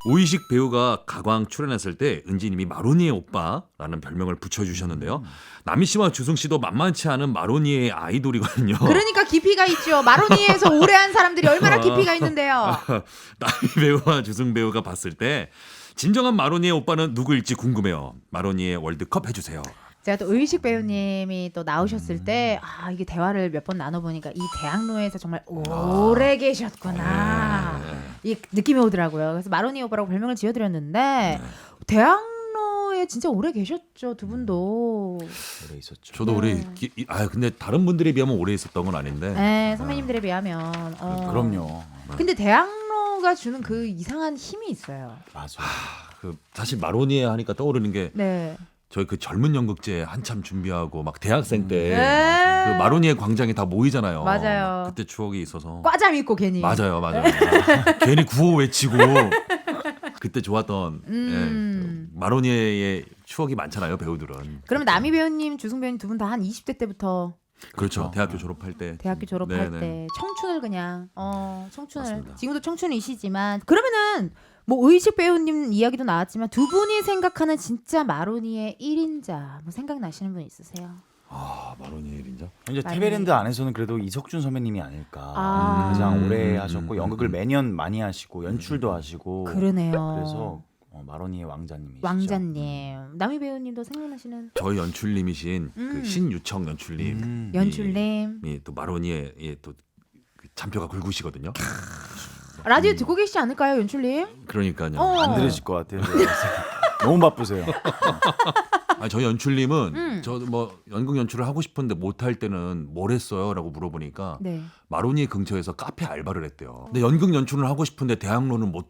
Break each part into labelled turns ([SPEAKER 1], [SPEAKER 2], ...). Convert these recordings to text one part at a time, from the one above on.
[SPEAKER 1] 오이식 배우가 가광 출연했을 때 은지님이 마로니에 오빠라는 별명을 붙여주셨는데요. 남희 씨와 주승 씨도 만만치 않은 마로니에 아이돌이거든요.
[SPEAKER 2] 그러니까 깊이가 있죠. 마로니에서 오래 한 사람들이 얼마나 깊이가 있는데요.
[SPEAKER 1] 남희 배우와 주승 배우가 봤을 때 진정한 마로니에 오빠는 누구일지 궁금해요. 마로니에 월드컵 해주세요.
[SPEAKER 2] 제가 또 의식 배우님이 또 나오셨을 때 이게 대화를 몇 번 나눠보니까 이 대학로에서 정말 오래 계셨구나 이 느낌이 오더라고요. 그래서 마로니 오빠라고 별명을 지어드렸는데 대학로에 진짜 오래 계셨죠, 두 분도.
[SPEAKER 3] 오래 있었죠.
[SPEAKER 1] 저도 오래 근데 다른 분들에 비하면 오래 있었던 건 아닌데.
[SPEAKER 2] 네, 선배님들에 비하면.
[SPEAKER 3] 그럼요.
[SPEAKER 2] 근데 대학로가 주는 그 이상한 힘이 있어요.
[SPEAKER 3] 맞아.
[SPEAKER 1] 그 사실 마로니에 하니까 떠오르는 게
[SPEAKER 2] 네.
[SPEAKER 1] 저희 그 젊은 연극제 한참 준비하고 막 대학생 때
[SPEAKER 2] 네.
[SPEAKER 1] 그 마로니에 광장에 다 모이잖아요.
[SPEAKER 2] 맞아요.
[SPEAKER 1] 그때 추억이 있어서.
[SPEAKER 2] 과잠 입고 괜히.
[SPEAKER 1] 맞아요. 괜히 구호 외치고 그때 좋았던 마로니에의 추억이 많잖아요, 배우들은.
[SPEAKER 2] 그러면 남희 배우님, 주승 배우님 두 분 다 한 20대 때부터
[SPEAKER 1] 그렇죠. 대학교 졸업할 때.
[SPEAKER 2] 대학교 졸업할
[SPEAKER 1] 네네.
[SPEAKER 2] 때 청춘을 그냥 청춘을
[SPEAKER 1] 맞습니다.
[SPEAKER 2] 지금도 청춘이시지만 그러면은 뭐 의식 배우님 이야기도 나왔지만 두 분이 생각하는 진짜 마로니의 1인자 뭐 생각나시는 분 있으세요?
[SPEAKER 1] 마로니에 1인자?
[SPEAKER 3] 이제
[SPEAKER 2] 많이.
[SPEAKER 3] 테베랜드 안에서는 그래도 이석준 선배님이 아닐까. 가장 오래 하셨고 연극을 매년 많이 하시고 연출도 하시고.
[SPEAKER 2] 그러네요.
[SPEAKER 3] 그래서 마로니의 왕자님이시죠.
[SPEAKER 2] 왕자님, 남희 배우님도 생각나시는
[SPEAKER 1] 저희 연출님이신 그 신유청 연출님.
[SPEAKER 2] 연출님
[SPEAKER 1] 또 마로니에 또 잔표가 굵으시거든요.
[SPEAKER 2] 라디오 듣고 계시지 않을까요, 연출님?
[SPEAKER 1] 그러니까요.
[SPEAKER 3] 안 들으실 것 같아요. 너무 바쁘세요.
[SPEAKER 1] 저희 연출님은 저 뭐 연극 연출을 하고 싶은데 못 할 때는 뭘 했어요라고 물어보니까
[SPEAKER 2] 네.
[SPEAKER 1] 마로니에 근처에서 카페 알바를 했대요. 근데 연극 연출을 하고 싶은데 대학로는 못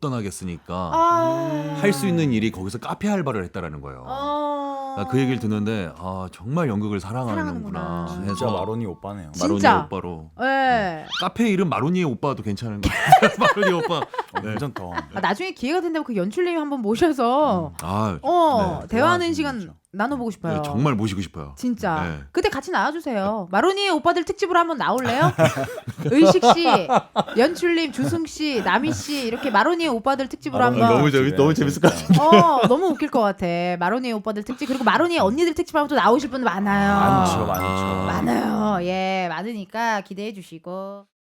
[SPEAKER 1] 떠나겠으니까 할 수 있는 일이 거기서 카페 알바를 했다라는 거예요. 그 얘기를 듣는데 정말 연극을 사랑하는구나
[SPEAKER 2] 사랑하는구나.
[SPEAKER 1] 해서
[SPEAKER 3] 진짜 마로니 오빠네요.
[SPEAKER 1] 마로니에
[SPEAKER 2] 진짜.
[SPEAKER 1] 오빠로.
[SPEAKER 2] 네.
[SPEAKER 1] 카페 이름 마로니에 오빠도 괜찮은 거 같아요. 마로니에 오빠. 네.
[SPEAKER 3] 괜찮다.
[SPEAKER 2] 나중에 기회가 된다면 그 연출님 한번 모셔서
[SPEAKER 1] 네.
[SPEAKER 2] 대화하는
[SPEAKER 3] 대화하시는
[SPEAKER 2] 시간
[SPEAKER 3] 거죠.
[SPEAKER 2] 나눠보고 싶어요.
[SPEAKER 1] 네, 정말 모시고 싶어요.
[SPEAKER 2] 진짜.
[SPEAKER 1] 네.
[SPEAKER 2] 그때 같이 나와주세요. 마로니의 오빠들 특집으로 한번 나올래요? 의식 씨, 연출님, 주승 씨, 남희 씨 이렇게 마로니의 오빠들 특집으로 한번.
[SPEAKER 3] 너무 재밌을 것 같아요.
[SPEAKER 2] 너무 웃길 것 같아. 마로니의 오빠들 특집 그리고 마로니의 언니들 특집 하면 또 나오실 분 많아요.
[SPEAKER 3] 많죠.
[SPEAKER 2] 많아요. 예, 많으니까 기대해 주시고.